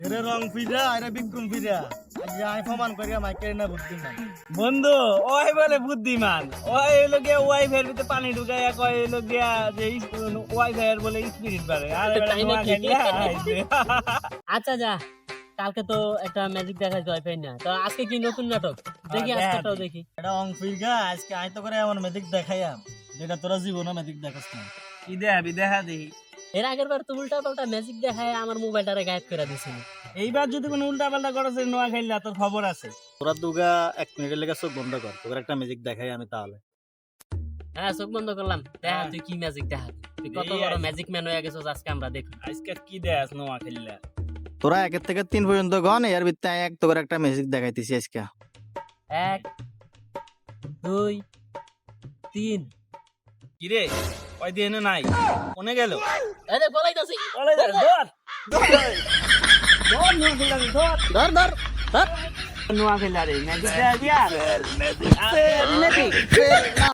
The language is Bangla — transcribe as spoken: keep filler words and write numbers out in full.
এরে রং ফিরা এরে বিক্রম ফিরা আজ আই প্রমাণ করিয়া মাইকে না বুদ্ধিমান বন্ধু ওই বলে বুদ্ধিমান ওই হলো গিয়া ওয়াইফাইয়ের ভিতরে পানি ঢুকাইয়া কয় হলো গিয়া যে ওয়াইফাইয়ের বলে স্পিরিট বাড়ে আর তাই নাকি? আইছে আচ্ছা যা, কালকে তো একটা ম্যাজিক দেখাইছে ওয়াইফাই না, তো আজকে কি নতুন নাটক দেখি, হ্যাঁ, আজকেটাও দেখি। এটা অং ফিরগা আজকে আই তো করে এমন ম্যাজিক দেখাইয়াম যেটা তোরা জীবনে ম্যাজিক দেখাস না। কি দেখাবি দেখা দেখি। এর আগের বার তো উল্টা পাল্টা ম্যাজিক দেখায় আমার মোবাইলটারে গায়েব করে দিছিল। এইবার যদি কোনো উল্টা পাল্টা করেছে নোয়া খাইলে তোর খবর আছে। তোরা দুগা এক মিনিটের লেগে চোখ বন্ধ কর, তোর একটা ম্যাজিক দেখাই আমি তাহলে। হ্যাঁ চোখ বন্ধ করলাম, দেখা হ্যাঁ। তুই কি ম্যাজিক দেখা, তুই কত এই বড় আজ- ম্যাজিক ম্যান হয়ে গেছিস আজকে আমরা দেখি। আজকে কি দেখাস নোয়া খাইলে? তোরা একের থেকে তিন পর্যন্ত গন, এর ভিতরে আমি এক তোর একটা ম্যাজিক দেখাইতেছি আজকে। এক দুই তিন। কি রে ওই দিয়ে নাই কোনে গেল? এই দেখ বলাইতাছি, ওলে ধর ধর ধর নোয়া খাইলে ধর ধর ধর ধর। নোয়া খাইলে রে ম্যাজিক দেয়া দিয়া ম্যাজিক